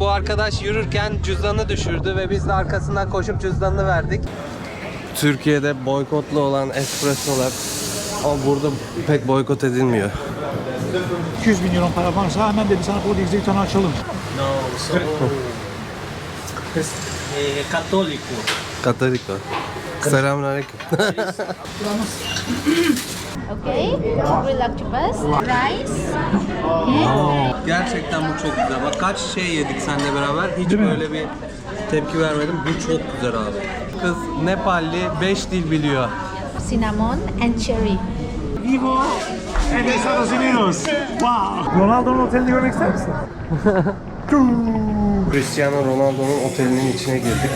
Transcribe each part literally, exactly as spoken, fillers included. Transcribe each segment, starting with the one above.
Bu arkadaş yürürken cüzdanını düşürdü ve biz de arkasından koşup cüzdanını verdik. Türkiye'de boykotlu olan espressolar ama burada pek boykot edilmiyor. iki yüz bin euro para varsa hemen dedi sana Portekiz'de bir tane açalım. No, sono eh, cattolico. Katoliko. Selamünaleyküm. Okay, relax bus, rice, okay. Gerçekten bu çok güzel. Bak kaç şey yedik seninle beraber. Hiç Değil mi? böyle bir tepki vermedim. Bu çok güzel abi. Kız Nepalli, beş dil biliyor. Cinnamon and cherry. Vivo en Estados Unidos. Wow. Ronaldo'nun otelini görmek ister misin? Cristiano Ronaldo'nun otelinin içine girdik.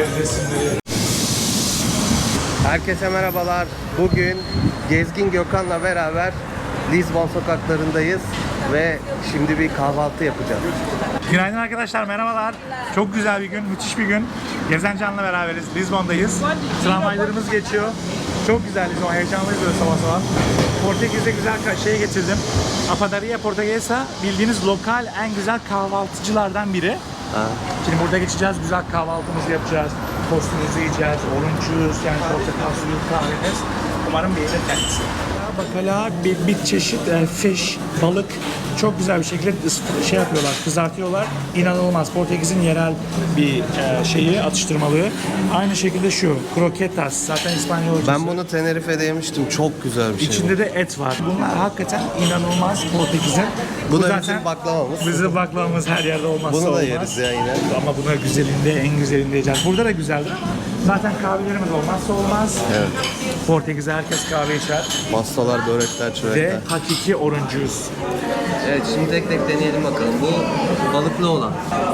Herkese merhabalar. Bugün Gezgin Gökhan'la beraber Lisbon sokaklarındayız ve şimdi bir kahvaltı yapacağız. Günaydın arkadaşlar, merhabalar. Çok güzel bir gün, müthiş bir gün. Gezen Can'la beraberiz, Lisbon'dayız. Tramvaylarımız geçiyor. Çok güzel Lisbon, heyecanlıyız böyle sabah sabah. Portekiz'de güzel şey getirdim. A Padaria Portuguesa, bildiğiniz lokal en güzel kahvaltıcılardan biri. Ha. Şimdi burada geçeceğiz, güzel kahvaltımızı yapacağız. Tostumuzu yiyeceğiz, orange juice, yani portakal suyu, kahveniz. Umarım beğenir kendisi. Bakala bir, bir çeşit e, fish, balık çok güzel bir şekilde şey yapıyorlar, kızartıyorlar. İnanılmaz. Portekiz'in yerel bir e, şeyi, atıştırmalığı. Aynı şekilde şu, croquetas, zaten İspanyolcası. Ben bunu Tenerife'de yemiştim. Çok güzel bir şey. İçinde de et var. Bunlar hakikaten inanılmaz Portekiz'in. Bu da zaten bizim baklavamız. Bizim baklavamız her yerde olmazsa Bunu da olmaz. yeriz ya yine. Ama buna güzelinde, en güzelinde yiyeceğiz. Burada da güzeldir. Zaten kahvelerimiz olmazsa olmaz. Evet. Portekiz'de herkes kahve içer. Pastalar, börekler, Ve çörekler. hakiki orange juice. Evet, şimdi tek tek deneyelim bakalım. Bu balıklı olan.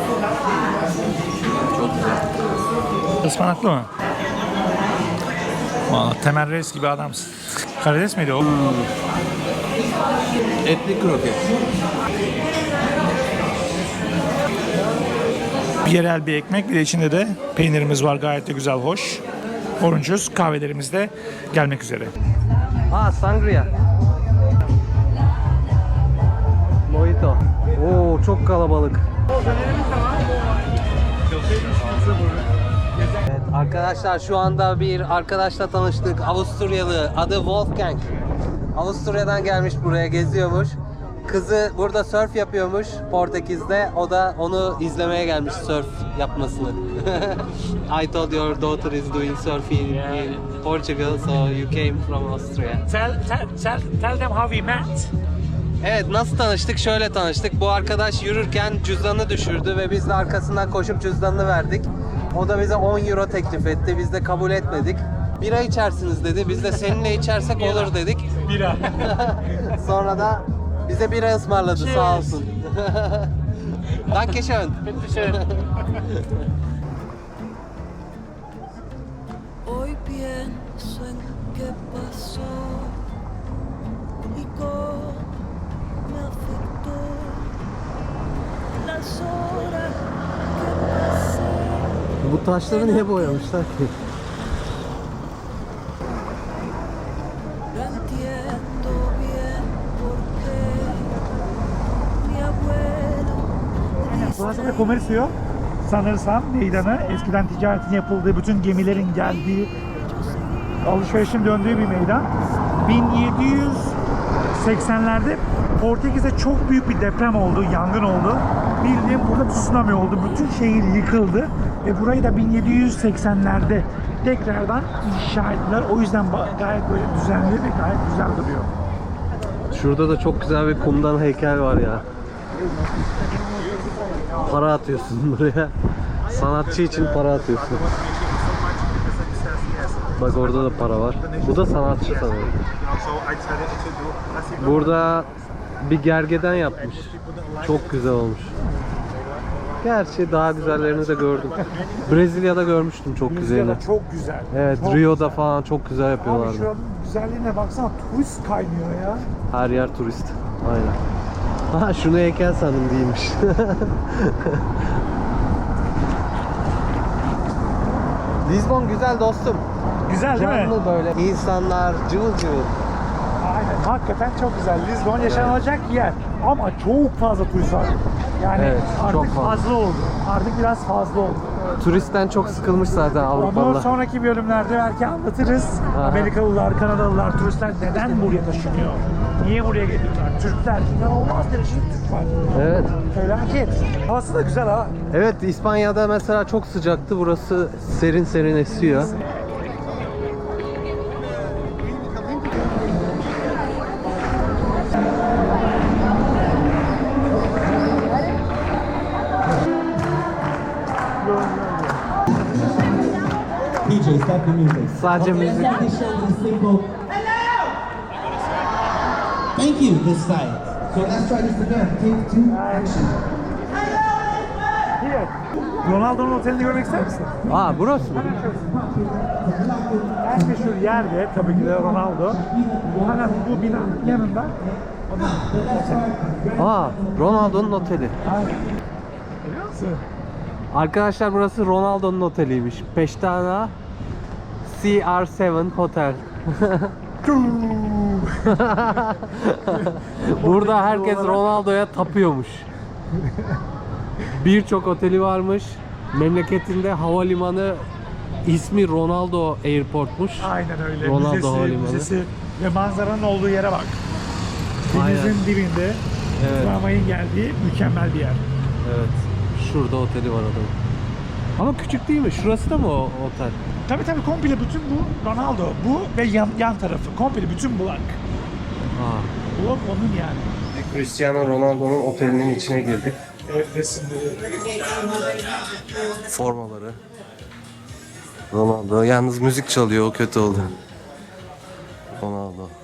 Çok güzel. Ispanaklı mı? Aa, Temel Reis gibi adamsın. Karides miydi o? Etli kroket. Bir yerel bir ekmek, bir de içinde de peynirimiz var, gayet de güzel, hoş. Orange juice, kahvelerimiz de gelmek üzere. Aa, sangria. Mojito. Oo, çok kalabalık. Evet, arkadaşlar şu anda bir arkadaşla tanıştık. Avusturyalı, adı Wolfgang. Avusturya'dan gelmiş, buraya geziyormuş. Kızı burada surf yapıyormuş Portekiz'de. O da onu izlemeye gelmiş, surf yapmasını. I thought your daughter is doing surfing in Portugal, so you came from Austria. Tell, tell, tell, tell them how we met. Evet, nasıl tanıştık? Şöyle tanıştık. Bu arkadaş yürürken cüzdanını düşürdü ve biz de arkasından koşup cüzdanını verdik. O da bize on euro teklif etti. Biz de kabul etmedik. Bira içersiniz dedi. Biz de seninle içersek olur dedik. Bira. Sonra da bize bira ısmarladı, sağ olsun. Dankeschön. Hoy pienso en qué pasó y cómo me afectó las horas que pasé. Bu taşları niye boyamışlar ki? No entiendo bien por qué mi abuelo Burası da Comercio. Sanırsam meydanı, eskiden ticaretin yapıldığı, bütün gemilerin geldiği, alışverişin döndüğü bir meydan. bin yedi yüz seksenlerde Portekiz'de çok büyük bir deprem oldu, yangın oldu. Bildiğim burada tsunami oldu, bütün şehir yıkıldı ve burayı da bin yedi yüz seksenlerde tekrardan inşa ettiler. O yüzden gayet böyle düzenli ve gayet güzel duruyor. Şurada da çok güzel bir kumdan heykel var ya. Para atıyorsun buraya. Sanatçı için para atıyorsun. Bak orada da para var. Bu da sanatçı sanırım. Burada bir gergeden yapmış. Çok güzel olmuş. Gerçi daha güzellerini de gördüm. Brezilya'da görmüştüm çok güzelini. Brezilya'da çok güzel. Evet, çok Rio'da falan çok güzel Abi yapıyorlardı. şu an güzelliğine baksana, turist kaynıyor ya. Her yer turist. Aynen. Ha, şunu heykel sandım, değilmiş. Lisbon güzel dostum. Güzel değil mi? Canlı böyle. İnsanlar cıvıl cıvıl. Aynen. Hakikaten çok güzel. Lisbon yaşanılacak yer. Ama çok fazla turist var. Yani Evet, çok artık fazla. fazla oldu. Artık biraz fazla oldu. Turistten çok sıkılmış zaten Onu Avrupalılar. sonraki bölümlerde belki anlatırız. Aha. Amerikalılar, Kanadalılar, turistler neden buraya taşınıyor? Niye buraya geliyorlar? Türkler, inanılmaz derecede Türk var. Evet. Felaket. Havası da güzel ha. Evet, İspanya'da mesela çok sıcaktı. Burası serin serin esiyor. D J, stop the music. Sadece müzik. Exactly shows a simple. Thank you, this side. So let's try this again. Take two, action. Here. Ronaldo'nun otelini görmek ister misin? Aa, burası mı? En meşhur yerde tabii ki de Ronaldo. Hemen bu binanın yanında onun oteli. Aa, Ronaldo'nun oteli. Biliyor musun? Arkadaşlar burası Ronaldo'nun oteliymiş. Peştana C R yedi Hotel. Burada herkes Ronaldo'ya tapıyormuş. Birçok oteli varmış. Memleketinde havalimanı ismi Ronaldo Airport'muş. Aynen öyle. Ronaldo müzesi, Havalimanı. müzesi ve manzaranın olduğu yere bak. Denizin Aynen. dibinde Evet. tramvayın geldiği mükemmel bir yer. Evet. Şurada oteli var adamın. Ama küçük değil mi? Şurası da mı o otel? Tabii tabii komple bütün bu Ronaldo. Bu ve yan, yan tarafı. Komple bütün blok. Aa. Blok onun yani. Cristiano Ronaldo'nun otelinin içine girdik. Evet, resimleri. Formaları. Ronaldo. Yalnız müzik çalıyor. O kötü oldu. Ronaldo.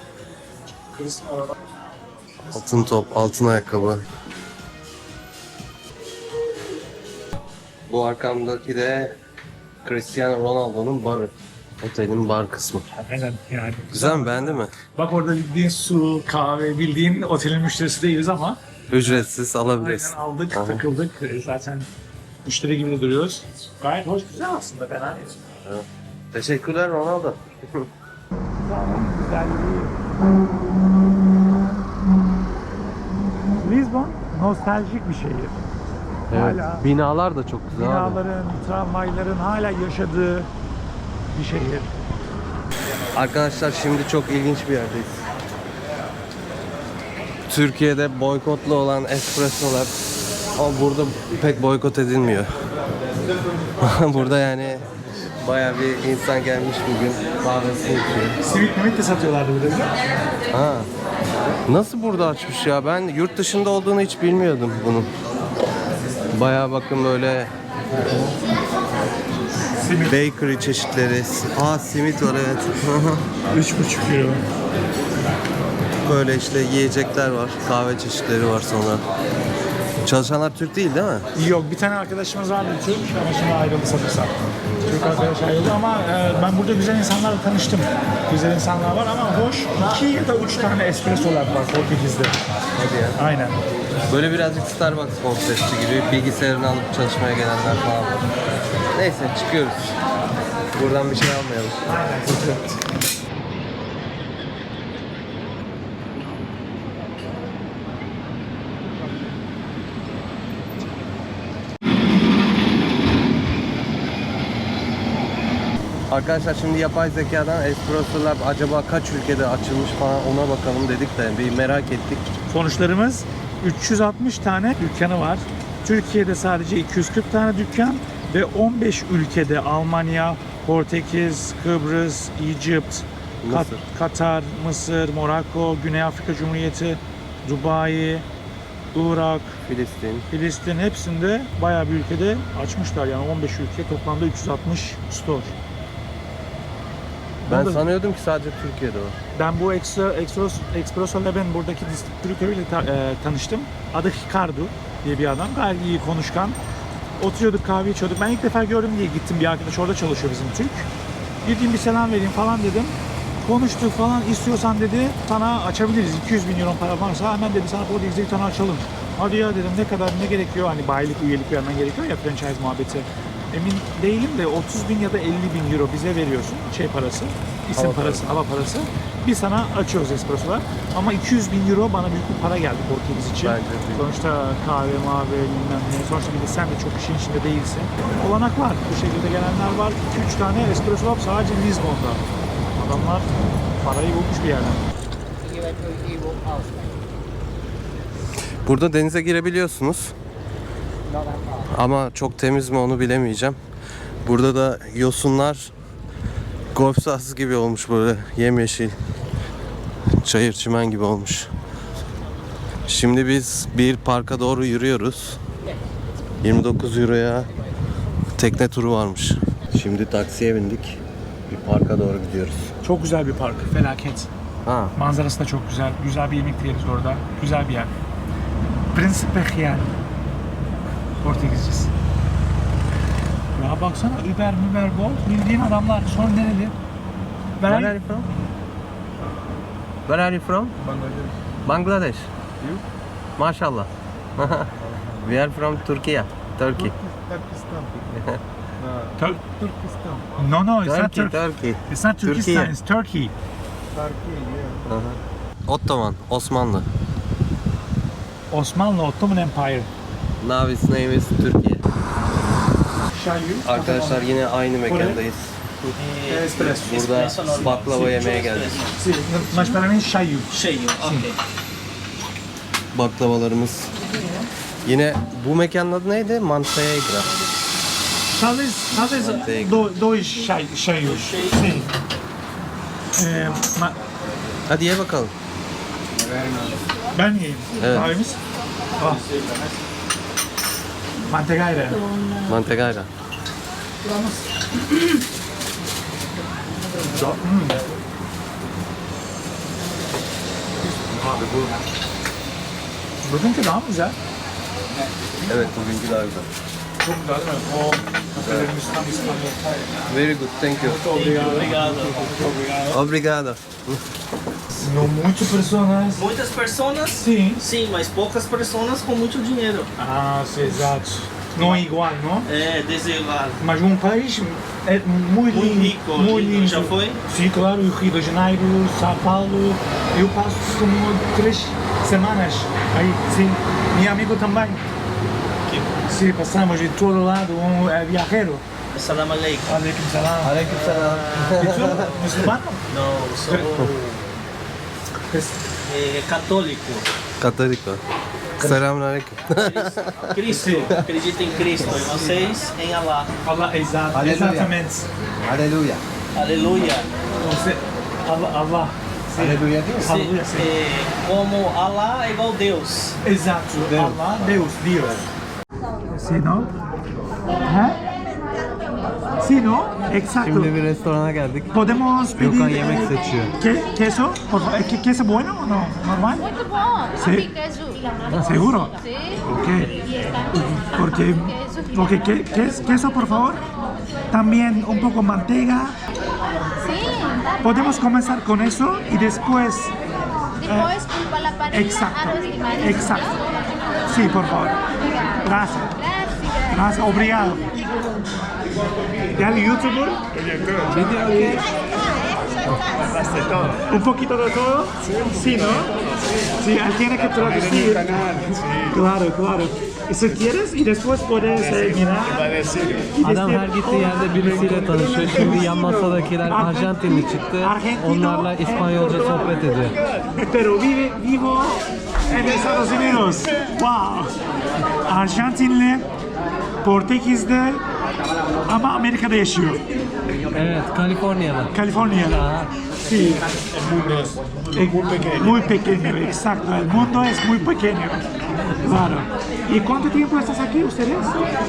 Altın top, altın ayakkabı. Bu arkamdaki de Cristiano Ronaldo'nun barı. Otelin bar kısmı. Aynen yani. Güzel mi? Beğendin mi? Bak orada bildiğin su, kahve, bildiğin otelin müşterisi değiliz ama Ücretsiz alabilirsin. aynen aldık, Aha. takıldık. Zaten müşteri gibi de duruyoruz. Gayet hoş, güzel aslında, fena değil. Teşekkürler Ronaldo. Zamanın güzelliği. Lisbon nostaljik bir şehir. Evet. Hala Binalar da çok güzel abi. binaların, tramvayların hala yaşadığı bir şehir. Arkadaşlar şimdi çok ilginç bir yerdeyiz. Türkiye'de boykotlu olan espressolar ama burada pek boykot edilmiyor. Burada yani bayağı bir insan gelmiş bugün kahvesini içiyor. Simit mimit de satıyorlardı burada, biliyor musun? Ha. Nasıl burada açmış ya? Ben yurt dışında olduğunu hiç bilmiyordum bunun. Bayağı bakın böyle Simit. bakery çeşitleri. Aa, simit var, evet. Üç buçuk euro. Böyle işte yiyecekler var. Kahve çeşitleri var sonra. Çalışanlar Türk değil değil mi? Yok, bir tane arkadaşımız vardı Türk ama şimdi ayrıldı sanırsam. Türk arkadaş ayrıldı ama e, ben burada güzel insanlarla tanıştım. Güzel insanlar var ama hoş iki ya da üç tane espressolar var Portekiz'de. Hadi ya. Aynen. Böyle birazcık Starbucks konsepti gibi bilgisayarını alıp çalışmaya gelenler falan var. Neyse çıkıyoruz. Buradan bir şey almayalım. Arkadaşlar şimdi yapay zekadan Espresso Lab acaba kaç ülkede açılmış falan ona bakalım dedik de bir merak ettik. Sonuçlarımız üç yüz altmış tane dükkanı var. Türkiye'de sadece iki yüz kırk tane dükkan ve on beş ülkede Almanya, Portekiz, Kıbrıs, Egypt, Kat- Mısır. Katar, Mısır, Monaco, Güney Afrika Cumhuriyeti, Dubai, Irak, Filistin. Filistin hepsinde bayağı bir ülkede açmışlar. Yani on beş ülke toplamda üç yüz altmış store. Ben Onu da- sanıyordum ki sadece Türkiye'de var. Ben bu Extra, Expresso, Expresso Lab'in buradaki distribütörüyle ta- e, tanıştım. Adı Ricardo diye bir adam. Gayet iyi konuşkan. Oturuyorduk, kahve içiyorduk. Ben ilk defa gördüm diye gittim. Bir arkadaş orada çalışıyor bizim Türk. Gideyim bir selam vereyim falan dedim. Konuştuk falan, istiyorsan dedi sana açabiliriz. iki yüz bin euro para varsa hemen dedi sana Portekiz'de bir tane açalım. Hadi ya dedim, ne kadar, ne gerekiyor? Hani bayilik, üyelik vermen gerekiyor ya, franchise muhabbeti. emin değilim de otuz bin ya da elli bin euro bize veriyorsun şey parası, isim Hava parası, hava parası. Biz sana açıyoruz espressolar ama iki yüz bin euro bana büyük bir para geldi Portekiz için. Bence de. Sonuçta kahve, mavi, bilmem ne. Sonuçta bir de sen de çok işin içinde değilsin. Olanak var. Bu şekilde gelenler var. iki üç tane espresso lab sadece Lisbon'da. Adamlar parayı bulmuş bir yerden. Burada denize girebiliyorsunuz. Ama çok temiz mi onu bilemeyeceğim. Burada da yosunlar golf sahası gibi olmuş, böyle yemyeşil. Çayır çimen gibi olmuş. Şimdi biz bir parka doğru yürüyoruz. yirmi dokuz euroya tekne turu varmış. Şimdi taksiye bindik. Bir parka doğru gidiyoruz. Çok güzel bir park. Felaket. Ha. Manzarası da çok güzel. Güzel bir yemek yeriz orada. Güzel bir yer. Príncipe Real. Portekizcesi. Ya baksana Uber, Uber bol. Bildiğin adamlar. Sonra nereli? Where are Ben you from? Where are you from? Bangladesh. Bangladesh. You? Maşallah. We are from Turkey. Turkey. Tur- No, no, it's not Turkey, Turkey. Turkey. It's not Turkistan, Türkiye. it's Turkey. Ottoman, Osmanlı. Osmanlı Ottoman Empire. Now its name is Türkiye. Şayu. Arkadaşlar yine aynı mekandayız. Espresso. Burada Espresso normal. baklava Sim, yemeye só geldik. Sí, mas para mí şayu. Cheio, ok. Baklavalarımız. Yine bu mekanın adı neydi? Mantegra. Talvez, talvez Manteiga. do, dois şay, şayu. Sí. Ee, ma, Hadi ye bakalım. ben yiyeyim. Evet. Kahvemiz. Ah. Mantegayla. Mantegra. Hmm. Abi bu. Bugünkü daha mı güzel? Evet, bugünkü daha güzel. Çok güzel değil mi? O kafelerimiz tam İstanbul. Very good, thank you. Obrigado. Obrigado. Obrigado. Não muito personas. Muitas personas? Sim. Sim, mas poucas personas com muito dinheiro. Ah, sim, exato. Não é igual, não? É, desigual. Mas um país é muito Muito lindo. rico, Muito lindo. lindo. Já foi? Sim, claro. Rio de Janeiro, São Paulo. Eu passo como três semanas aí, sim. Meu amigo também. Que Sim, passamos de todo lado. Um é viajero. Assalamu alaikum. Aleyküm selam. Aleykümselam. E tu, muçulmano? Não, sou é, católico. Katoliko. Selamünaleyküm. Cristo. Acredito em Cristo. E vocês em Allah. Allah, exato. Aleluia. Exatamente. Aleluya. Aleluia. Você, Allah, Allah. Sim. Aleluya değil mi? Se, Aleluia, sim. é, como Allah é igual Deus. Exato. Allah, Deus, Dios. Sí, ¿no? ¿Eh? Sí, ¿no? Exacto. Şimdi bir restorana geldik. Podemos pedir... Gökhan yemek eh, seçiyor. ¿Qué, ¿Queso? Por favor. ¿Qué- ¿Queso bueno o no? ¿Normal? Muito bom. Sí. Aqui, queijo. ¿Seguro? Sí. Ok. Y está Porque... Ok, ¿qué, qué es queso, por favor? También un poco manteiga. Sí, tá bom. Podemos comenzar con eso y después... Depois pulpa la panela, Exacto. arroz de marisco. Exacto. Sí, por favor. Gracias. Gracias. Gracias. Obrigado. ¿Ya youtuber? ¿Un poquito de todo? Sí, ¿no? Sí, él tiene que traducir. Claro, claro. ¿Y si quieres? Y después puedes eh, mirar. Y Adam decir, her gittiği yerde birisiyle tanışıyor. Şimdi yan masadakiler Arjantinli çıktı. Onlarla İspanyolca sohbet ediyor. Pero vive, vivo en Estados Unidos. Wow. Arjantinli, Portekiz'de ama Amerika'da yaşıyor. Evet, Kaliforniya'da. California'da. Aha. Sí. Eh, Muy pequeño, exacto. El mundo es muy pequeño. Claro. ¿Y cuánto tiempo estás aquí ustedes?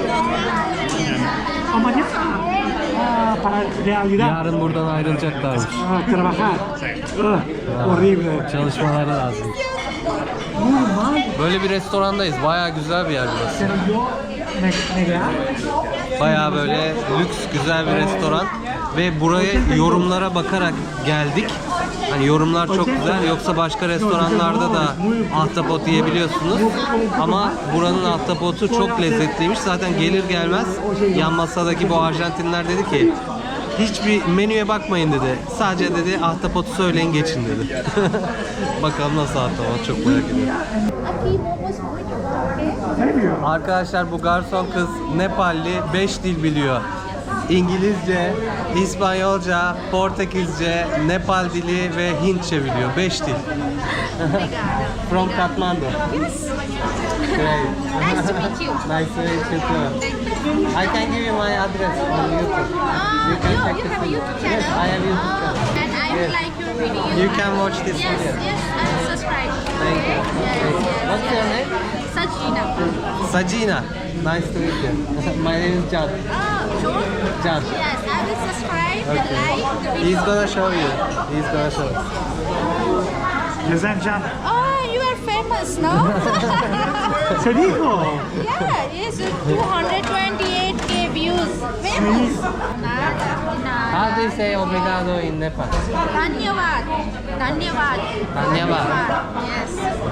¿O mañana? Ah, para realidad. Yarın buradan ayrılacaklarmış. Ah, trabajar. Ah, horrible. Çalışmaları lazım. Normal. Böyle bir restorandayız. Bayağı güzel bir yer burası. Pero yo me, negar. Bayağı böyle lüks güzel bir restoran ve buraya yorumlara bakarak geldik. Hani yorumlar çok güzel. Yoksa başka restoranlarda da ahtapot yiyebiliyorsunuz. Ama buranın ahtapotu çok lezzetliymiş. Zaten gelir gelmez yan masadaki bu Arjantinler dedi ki hiçbir menüye bakmayın dedi. Sadece dedi ahtapotu söyleyin geçin dedi. Bakalım nasıl ahtapot, çok merak ediyorum. Aqui momos muito bom, ok? Ne diyor? Arkadaşlar bu garson kız Nepalli, beş dil biliyor. İngilizce, İspanyolca, Portekizce, Nepal dili ve Hintçe biliyor. beş dil. From Kathmandu. Great. Nice to meet you. Nice to meet you too. I can give you my address on YouTube. Ah, You can you, check you this have a video. YouTube channel? Yes, I have YouTube Oh, channel. and I Yes. would like your video. You can watch this Yes, video. yes, I will subscribe. Thank you. Okay? Yes, Thank you. yes, What's yes. your name? Sajina. Sajina. Nice to meet you. My name is Can. Oh, sure? Can. Yes, I will subscribe, Okay. like the video. He's gonna show you. He's gonna show you. Gezen Can. Oh, you are famous, no? Sediko. Yeah, yes, two hundred twenty-eight K views. Famous. Nada, nada. How do you say obrigado in Nepal? Dhanyavad. Dhanyavad. Dhanyavad. Yes.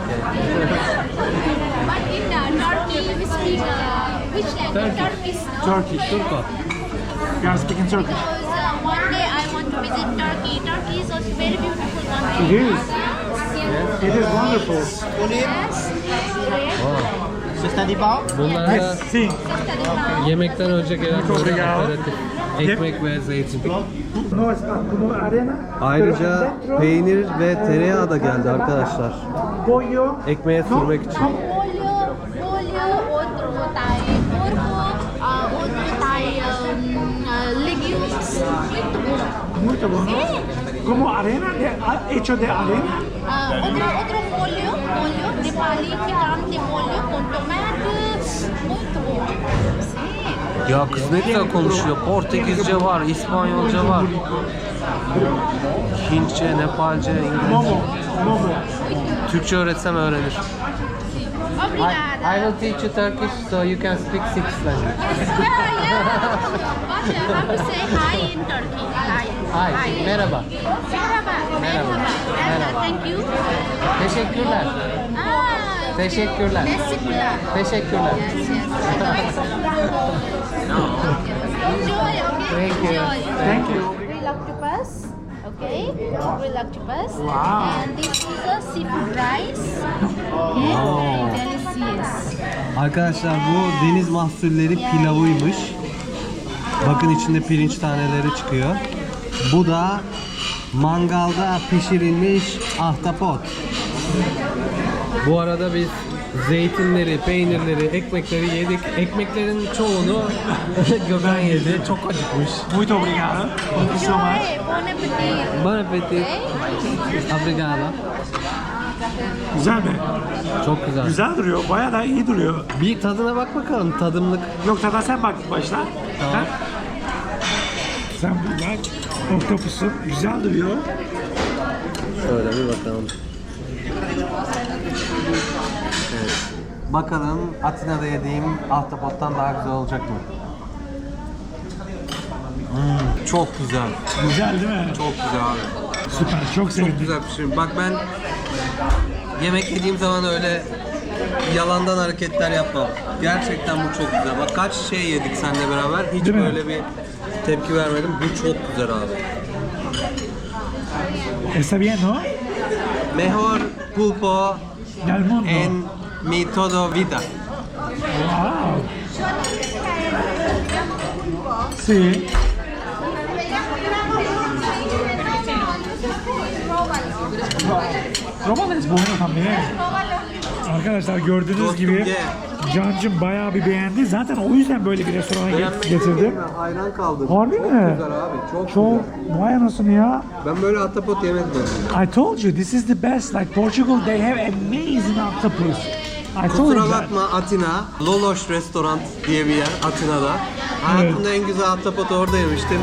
But in uh, Turkey, we speak uh, which language? Turkish, no? Turkish. Turko. You are speaking Turkish. Because uh, one day I want to visit Turkey. Turkey is also very beautiful country. It is. Yes. It is wonderful. Yes. Bunlar da Yes, sim. yemekten önce gelen böyle Obrigado. aperatif. Ekmek ve zeytin. No, como arena. Ayrıca peynir ve tereyağı da geldi arkadaşlar. Pollo. Ekmeğe sürmek için. Molho, molho, outro Thai porco, uh, outro Thai um, uh, legumes. Muito bom. Muito bueno. Sí. Como arena, de, hecho de arena. Uh, otro, otro molho, molho, Nepali picante molho con tomate. Muito bom. Sí. Ya kız ne güzel konuşuyor. Portekizce var, İspanyolca var. Hintçe, Nepalce, İngilizce. Momo. Momo. Türkçe öğretsem öğrenir. Obrigada. I will teach you Turkish so you can speak six languages. Yeah, yeah. But uh, how to say hi in Turkey? Hi. Hi, merhaba. Merhaba. Merhaba. Merhaba. Thank you. Teşekkürler. Ah, Teşekkürler. teşekkürler. Teşekkürler. Yes, yes. Enjoy, okay? Thank you. Enjoy. Thank you. Grill octopus, okay? Grill octopus. Wow. And this is a seafood rice. Okay, very delicious. Arkadaşlar bu deniz mahsulleri pilavıymış. Bakın içinde pirinç taneleri çıkıyor. Bu da mangalda pişirilmiş ahtapot. Bu arada biz zeytinleri, peynirleri, ekmekleri yedik. Ekmeklerin çoğunu Gökhan yedi. Çok acıkmış. Muito obrigado. Thank you so much. Enjoy. Bon appetit. Bon appetit. Okay? Obrigado. Güzel mi? Çok güzel. Güzel duruyor. Bayağı da iyi duruyor. Bir tadına bak bakalım. Tadımlık. Yok tada sen bak başla. Tamam. Ha? Sen bir bak. Oktopusu güzel duruyor. Şöyle bir bakalım. Evet. Bakalım Atina'da yediğim ahtapottan daha güzel olacak mı? Hmm, çok güzel. Güzel değil mi? Çok güzel abi. Süper. Çok sevindim. Çok güzel pişirim. Bak ben yemek yediğim zaman öyle yalandan hareketler yapmam. Gerçekten bu çok güzel. Bak kaç şey yedik seninle beraber. Hiç Değil mi? böyle bir tepki vermedim. Bu çok güzel abi. Está bien, no? Mejor pulpo Del mundo. en mi todo vida. Wow. Sí. Romalı es bueno también. Arkadaşlar gördüğünüz Dostum, gibi ye. Cancım bayağı bir beğendi. Zaten o yüzden böyle bir restorana get- getirdim. Hayran kaldım. Harbi çok mi? güzel abi. Çok, Çok güzel. vay anasını ya. Ben böyle ahtapot yemedim. I told you this is the best. Like Portugal, they have amazing octopus. I told Kusura you that. bakma Atina, Loloş Restoran diye bir yer Atina'da. Hayatımda en güzel ahtapotu orada yemiştim.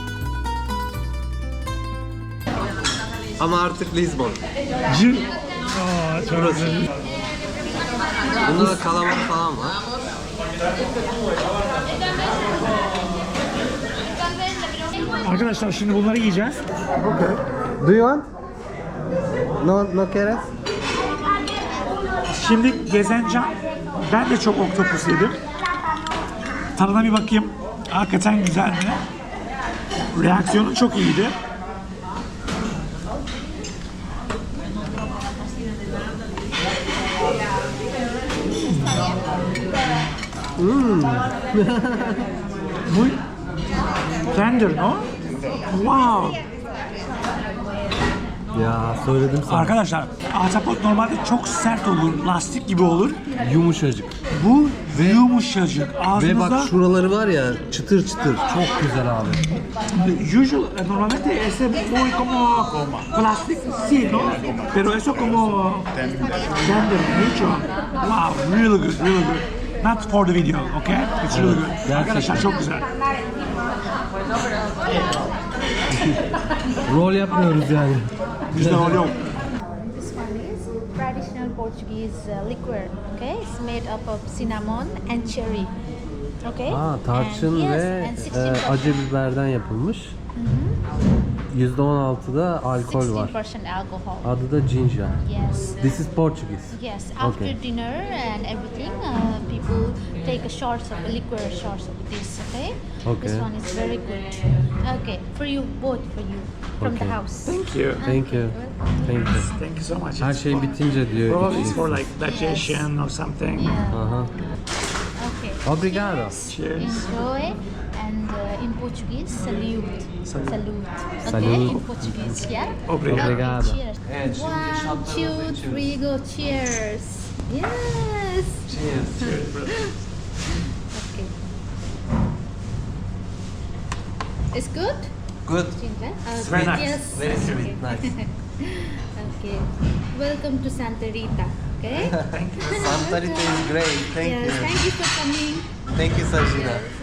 Ama artık Lisbon. C- Aa, çok güzel. Bunda da kalamar falan var. Arkadaşlar şimdi bunları yiyeceğiz. Okay. Do you want? No, no quieres? Şimdi gezeneceğim. Ben de çok oktopus yedim. Tadına bir bakayım. Hakikaten güzel mi? Reaksiyonu çok iyiydi. Hmm. Muy tender, no? Wow. Ya söyledim sana. Arkadaşlar, ahtapot normalde çok sert olur, lastik gibi olur. Yumuşacık. Bu yumuşacık. Ve Ağzınızda bak şuraları var ya çıtır çıtır. Çok güzel abi. usual, normalmente es muy como plastic, sí, ¿no? Pero eso como tender, mucho. Wow, really good, really good. Not for the video, okay? It's really good. gerçekten. Arkadaşlar çok güzel. Rol yapmıyoruz yani. Bizde rol yok. This one is traditional Portuguese uh, liquor. Okay, it's made up of cinnamon and cherry. Okay. Aa, tarçın And- yes, ve and e, sixteen percent. acı biberden yapılmış. yüzde on altıda alkol var. sixteen percent alcohol. Adı da ginger. Yes. This is Portuguese. Yes, after Okay. dinner and everything, uh, people take a shots of liquor, shots of this. Okay. This Okay. one is very good. Okay, for you both, for you from Okay. the house. Thank you. Thank you. Thank you. Thank you so much. Her şey bitince diyor. Probably it's for içeceksin. like digestion or something. Yeah. Aha. Okay. Obrigado. Cheers. Enjoy, and uh, in Portuguese, salute. Salute. Salute. Okay, Salute. in Portuguese, yeah. Obrigado. Obrigado. Okay, cheers. Evet, şimdi One, şatlarımızı two, içiyoruz. three, go. Cheers. Yes. Cheers. Okay. It's good. Good. Ginger? It's very nice. Yes. Very sweet. Okay. Nice. Okay. Welcome to Santa Rita. Okay. Santa Rita is great. Thank yes. you. Thank you for coming. Thank you Sajina.